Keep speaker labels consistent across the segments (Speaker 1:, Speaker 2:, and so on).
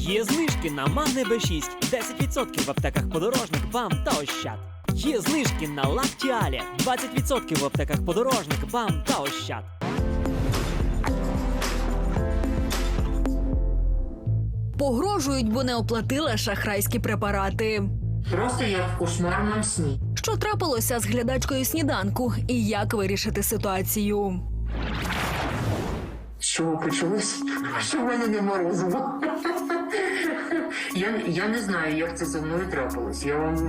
Speaker 1: Є знижки на Магне Б6, 10% в аптеках Подорожник, БАМ та Ощад. Є знижки на Лактіалі, 20% в аптеках Подорожник, БАМ та Ощад.
Speaker 2: Погрожують, бо не оплатила шахрайські препарати.
Speaker 3: Просто як в кошмарному сні.
Speaker 2: Що трапилося з глядачкою сніданку і як вирішити ситуацію?
Speaker 3: З чого почалось? Що в мене не морозиво. Я не знаю, як це зі мною трапилось. Я вам,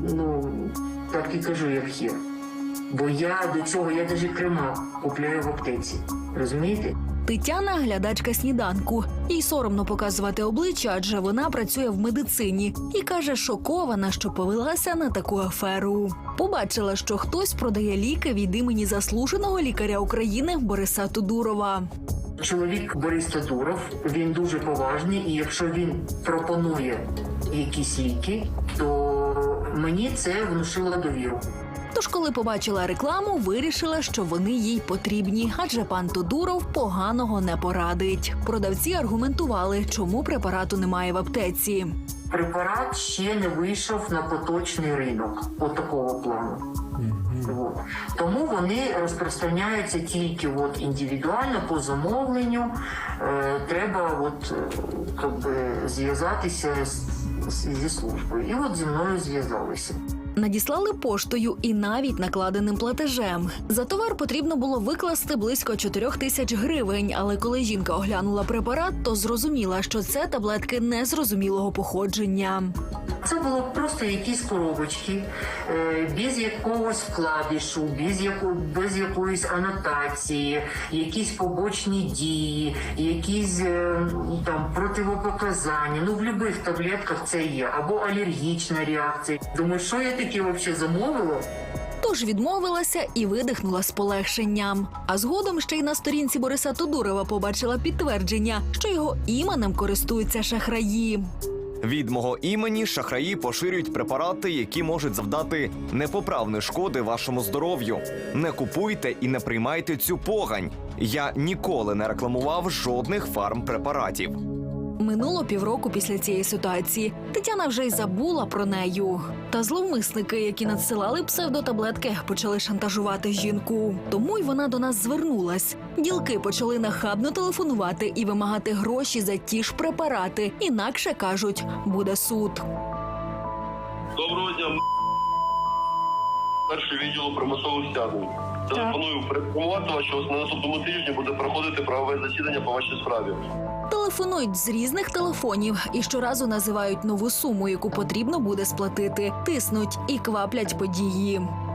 Speaker 3: так і кажу, як є. Бо я до цього, я навіть крема купляю в аптеці. Розумієте?
Speaker 2: Тетяна – глядачка сніданку. Їй соромно показувати обличчя, адже вона працює в медицині. І каже, шокована, що повелася на таку аферу. Побачила, що хтось продає ліки від імені заслуженого лікаря України Бориса Тодурова.
Speaker 3: Чоловік Борис Тодуров, він дуже поважний, і якщо він пропонує якісь ліки, то мені це внушило довіру.
Speaker 2: Тож, коли побачила рекламу, вирішила, що вони їй потрібні, адже пан Тодуров поганого не порадить. Продавці аргументували, чому препарату немає в аптеці.
Speaker 3: Препарат ще не вийшов на поточний ринок, от такого плану. От. Тому вони розпространяються тільки індивідуально, по замовленню. Треба зв'язатися зі службою. І зі мною зв'язалися.
Speaker 2: Надіслали поштою і навіть накладеним платежем. За товар потрібно було викласти близько 4 тисяч гривень, але коли жінка оглянула препарат, то зрозуміла, що це таблетки незрозумілого походження.
Speaker 3: Це було просто якісь коробочки, без якогось вкладишу, без якоїсь анотації, якісь побочні дії, якісь противопоказання. В будь-яких таблетках це є. Або алергічна реакція. Думаю, що я таке взагалі замовила?
Speaker 2: Тож відмовилася і видихнула з полегшенням. А згодом ще й на сторінці Бориса Тодурова побачила підтвердження, що його іменем користуються шахраї.
Speaker 4: Від мого імені шахраї поширюють препарати, які можуть завдати непоправної шкоди вашому здоров'ю. Не купуйте і не приймайте цю погань. Я ніколи не рекламував жодних фармпрепаратів.
Speaker 2: Минуло півроку після цієї ситуації. Тетяна вже й забула про нею. Та зловмисники, які надсилали псевдотаблетки, почали шантажувати жінку. Тому й вона до нас звернулась. Ділки почали нахабно телефонувати і вимагати гроші за ті ж препарати. Інакше, кажуть, буде суд.
Speaker 5: Доброго дня. Перший відділу примусових стягнень. Телефоную проінформувати вас, що на наступному тижні буде проходити правове засідання по вашій справі.
Speaker 2: Телефонують з різних телефонів і щоразу називають нову суму, яку потрібно буде сплатити. Тиснуть і кваплять події.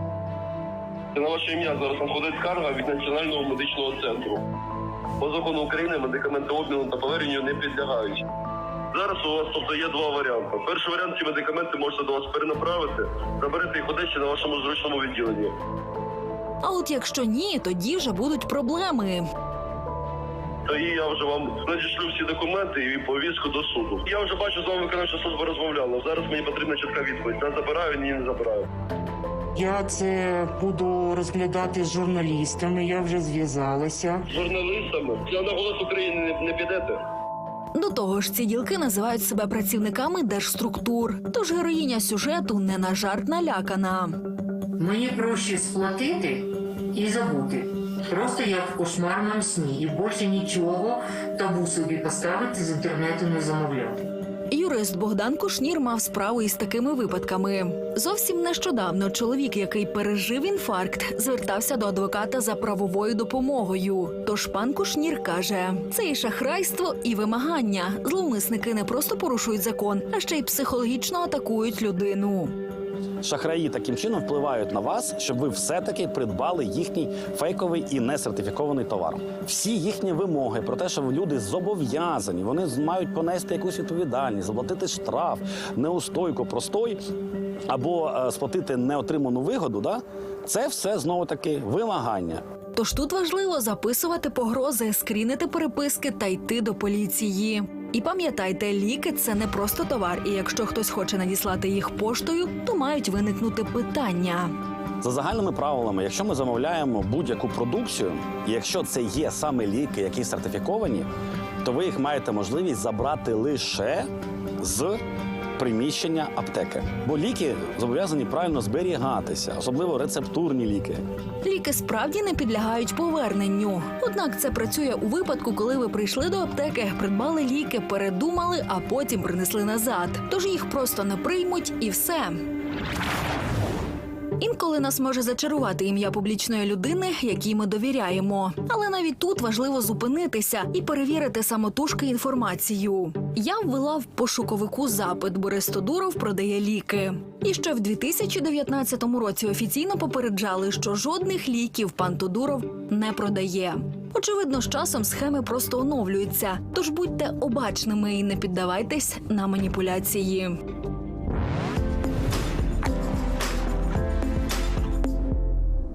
Speaker 5: На ваше ім'я зараз надходить скарга від Національного медичного центру. По закону України медикаменти обміну та поверненню не підлягають. Зараз у вас є два варіанти. Перший варіант – ці медикаменти можете до вас перенаправити, заберете їх в Одесі на вашому зручному відділенні.
Speaker 2: А от якщо ні, тоді вже будуть проблеми.
Speaker 5: Тоді я вже вам надішлю всі документи і повістку до суду. Я вже бачу, з вами виконавча служба розмовляла. Зараз мені потрібна чітка відповідь. Не забираю, ні, не забираю.
Speaker 3: Я це буду розглядати з журналістами, я вже зв'язалася.
Speaker 5: З журналістами? На «Голос України» не підете?
Speaker 2: До того ж, ці ділки називають себе працівниками держструктур. Тож героїня сюжету не на жарт налякана.
Speaker 3: Мені проще сплатити і забути. Просто як в кошмарному сні. І більше нічого табу собі поставити, з інтернету не замовляти.
Speaker 2: Юрист Богдан Кушнір мав справу із такими випадками. Зовсім нещодавно чоловік, який пережив інфаркт, звертався до адвоката за правовою допомогою. Тож пан Кушнір каже, це і шахрайство, і вимагання. Зловмисники не просто порушують закон, а ще й психологічно атакують людину.
Speaker 6: Шахраї таким чином впливають на вас, щоб ви все-таки придбали їхній фейковий і несертифікований товар. Всі їхні вимоги про те, що люди зобов'язані, вони мають понести якусь відповідальність, заплатити штраф, неустойку, простой або сплатити неотриману вигоду, це все знову-таки вимагання.
Speaker 2: Тож тут важливо записувати погрози, скрінити переписки та йти до поліції. І пам'ятайте, ліки – це не просто товар, і якщо хтось хоче надіслати їх поштою, то мають виникнути питання.
Speaker 6: За загальними правилами, якщо ми замовляємо будь-яку продукцію, і якщо це є саме ліки, які сертифіковані, то ви їх маєте можливість забрати лише з приміщення аптеки. Бо ліки зобов'язані правильно зберігатися, особливо рецептурні ліки.
Speaker 2: Ліки справді не підлягають поверненню. Однак це працює у випадку, коли ви прийшли до аптеки, придбали ліки, передумали, а потім принесли назад. Тож їх просто не приймуть і все. Інколи нас може зачарувати ім'я публічної людини, якій ми довіряємо. Але навіть тут важливо зупинитися і перевірити самотужки інформацію. Я ввела в пошуковику запит «Борис Тодуров продає ліки». І ще в 2019 році офіційно попереджали, що жодних ліків пан Тодуров не продає. Очевидно, з часом схеми просто оновлюються. Тож будьте обачними і не піддавайтесь на маніпуляції.